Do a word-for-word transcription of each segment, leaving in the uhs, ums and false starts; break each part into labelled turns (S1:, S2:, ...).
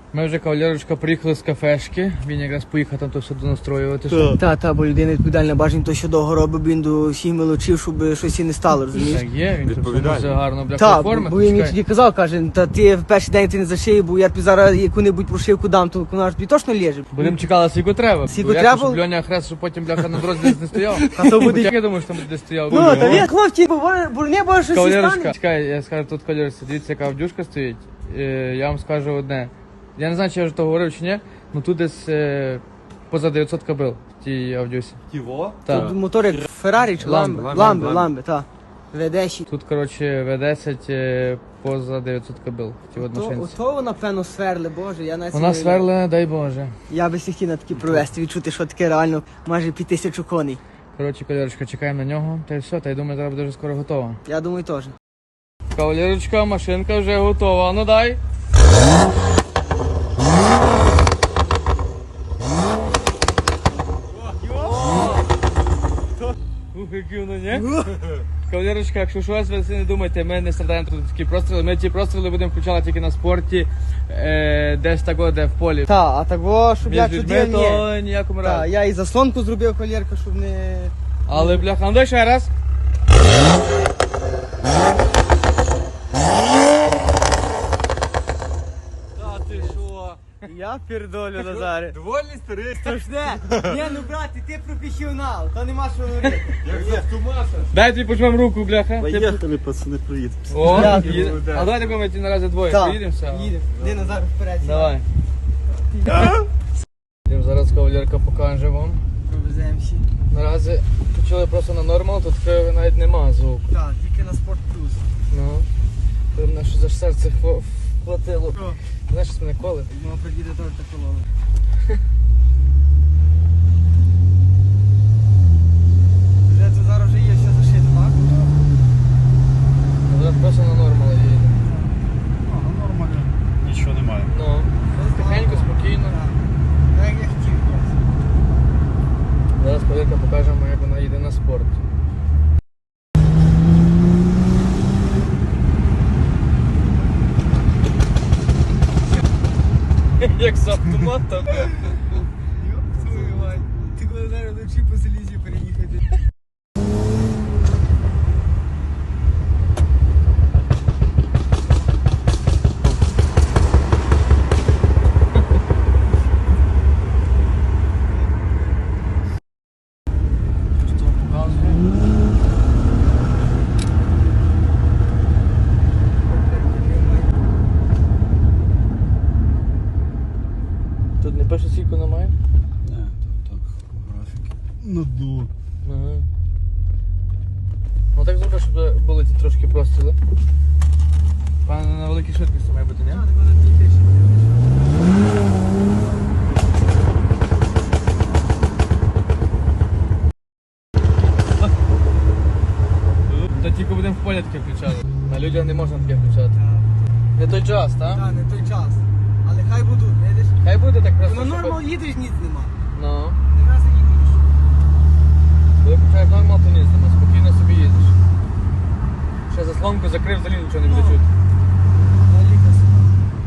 S1: Ми вже, кавалерочка, приїхали з кафешки. Він якраз поїхав там то все донастроювати.
S2: Та, та, бо людина відповідальна, бажань то, що довго робить, бо він до всіх мелочів, щоб щось і не стало, розумієш?
S1: Так є, він тут все гарно бляха
S2: Так,
S1: оформити.
S2: бо він мені тоді казав, каже, та ти в перший день ти не зашиє, бо я тобі зараз яку-небудь прошивку дам, то вона ж тобі точно лежить.
S1: Будемо чекали, скільки треба.
S2: Скільки
S1: Бо як
S2: треба?
S1: то, щоб Льоня хрест, щоб потім бляха на дорозі десь не стояв.
S2: А то буде...
S1: Я думаю, що там буде десь стояв.
S2: Ну, та він, хлопці, бо, бо не може щось і
S1: Кавалерочка,
S2: стане.
S1: чекай, я скажу тут, кавалерочка, дивіться, яка авдюшка стоїть. Е, Я вам скажу одне. Я не знаю, чи я вже то говорив чи ні, але тут десь е, поза дев'ятсот кобил в тій авдюсі.
S3: Тіво?
S1: Так.
S2: Тут мотор як Феррарі чи
S1: Ламбо,
S2: Ламбе?
S1: Ламбо,
S2: Ламбе, Ламбе, так. ве десять.
S1: Тут, коротше, ве десять е, поза дев'ятсот кобил в тій
S2: То,
S1: одношинці.
S2: ото вона, певно, сверли, боже, я навіть...
S1: Вона
S2: не-
S1: сверла, дай Боже.
S2: Я би хотів на такі провести, відчути, що таке реально майже під тисячу коней.
S1: Коротше, кавалерочка, чекаємо на нього, та й все, та й думаю, зараз буде вже скоро готова.
S2: Я думаю, теж.
S1: Кавалерочка, машинка вже готова, ну дай. Ух, які воно, ні? Кавалерочка, якщо щось, ви не думайте, ми не страдаємо тут такі простріли. Ми ті простріли будемо включати тільки на спорті, е, десь тако, де в полі.
S2: Та, а того, щоб я
S1: Між людьми,
S2: чудив, ні.
S1: то ніякому
S2: Та,
S1: разі.
S2: я і заслонку зробив, колірка, щоб не...
S1: Але, бляха, ну дай ще раз.
S3: Та ти що?
S2: Я пердолю, Назаре.
S3: Довольний старий?
S2: Страшне. Ні, ну брате, ти професіонал, то нема що говорити.
S3: Як завтумаса.
S1: Дай тобі пожмем руку, бляха. Ти-
S4: Поїхали, пацани, привіт.
S1: О,
S2: Дякую.
S1: їде. А давай такому ми ті наразі двоє.
S2: Так,
S1: Поїдемося?
S2: їдемо. Іди, Назар, вперед.
S1: Давай. Йдемо зараз, кавалерка, покаже вам.
S2: Провеземося.
S1: Наразі почали просто на нормал, тут такого навіть нема звуку.
S2: Так, тільки на спорт плюс.
S1: Ну, то мене що за серце хво- хватило.
S2: Що?
S1: Знаєш, що мене коле?
S2: Ну, придіти теж так колону. Вже тут зараз вже є все зашито, так?
S1: Зараз просто на нормал їде.
S4: А, ну нормально. Нічого немає.
S1: Ну, тихенько, спокійно.
S2: Так, як я хотів.
S1: Зараз кавалерка покажемо, як вона їде на спорт. Як з автоматом.
S2: Йоп, твою мать. Ти коли зараз вночі по селізі переїхати.
S1: Що показує? Тут не пише, скільки немає?
S4: Не, так, так, графіки. Ну, ду.
S1: Ага. Ну так зроби, щоб були ті трошки простріли. Пане, на великій швидкості має бути, ні?
S2: Так, вона тільки.
S1: Та тільки будемо в полі таке включати. На людях не можна таке включати. Не той час, так?
S2: Так, не той час. Але хай будуть, видиш?
S1: Хай буде так просто.
S2: На
S1: щоб-
S2: нормал їдеш, ніц нема.
S1: Ну.
S2: Не раз їдеш.
S1: Коли включаєш нормал, то ні, нема. Спокійно собі їздиш. Ще заслонку закрив, взагалі нічого не буде чути.
S2: Наліка собі.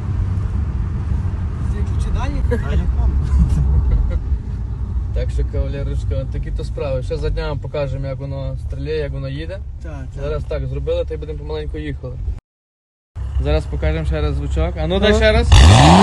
S2: Ключі дані?
S4: А я там.
S1: Так що, кавалерочка, от такі то справи. Ще за днями покажемо, як воно стріляє, як воно їде.
S2: Так,
S1: Зараз так зробили, та й будемо помаленьку їхали. Зараз покажемо ще раз звучок. А ну дай ще раз.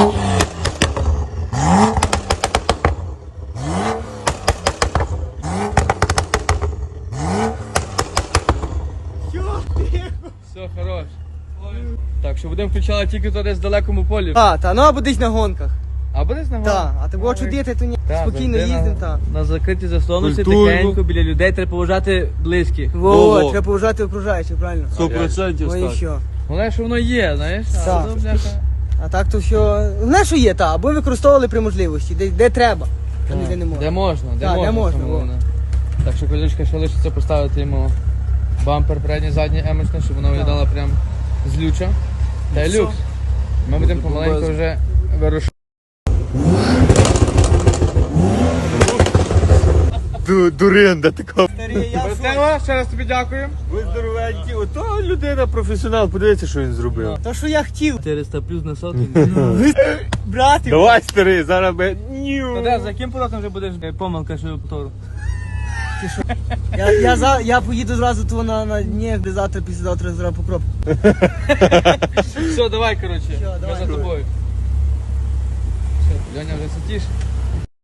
S1: Все, хорош. Так, що будемо включати тільки то десь в далекому полі.
S2: А, та, ну або десь на гонках.
S1: Або десь на горі.
S2: Так, а того чудити, то ні.
S1: Так,
S2: Спокійно
S1: завжди
S2: їздимо,
S1: на,
S2: так.
S1: на закритій заслонці,
S3: Культурно.
S1: тихенько, біля людей треба поважати близьких.
S2: Во,
S3: Во-во.
S2: треба поважати окружаючих, правильно?
S3: Сто процентів
S2: Ну і
S3: так.
S2: що?
S1: Головне, що воно є, знаєш? А
S2: Так.
S1: то, бляха,
S2: А так то все. Не, що є, та, або використовували при можливості, де, де треба. А ніде не
S1: Де
S2: можна.
S1: можна, де
S2: Так, де
S1: можна.
S2: можна,
S1: саме
S2: во.
S1: головне. Так що, колючка, ще лишиться поставити йому бампер передній, задній емочний, щоб воно виглядало прям злюча. Та й люкс. Ми будемо помаленьку вже вирушати.
S3: ду- дуринда така.
S2: Старий, я що?
S1: Васило, ще раз тобі дякуємо.
S3: Ви здоровенькі. Ото людина професіонал, подивіться, що він зробив.
S2: То, що я хотів.
S1: чотириста плюс на сотні.
S2: Брати,
S3: Давай, старий, зараз би. Ню.
S1: Та де, за яким поворотом вже будеш е, помилка, що повтору?
S2: я, я, за, я поїду зразу того на, на ні, де завтра, післязавтра зразу по кропку.
S1: Все, давай, коротше.
S2: Все,
S1: Ми
S2: давай.
S1: за тобою. Все, Льоня вже сидиш.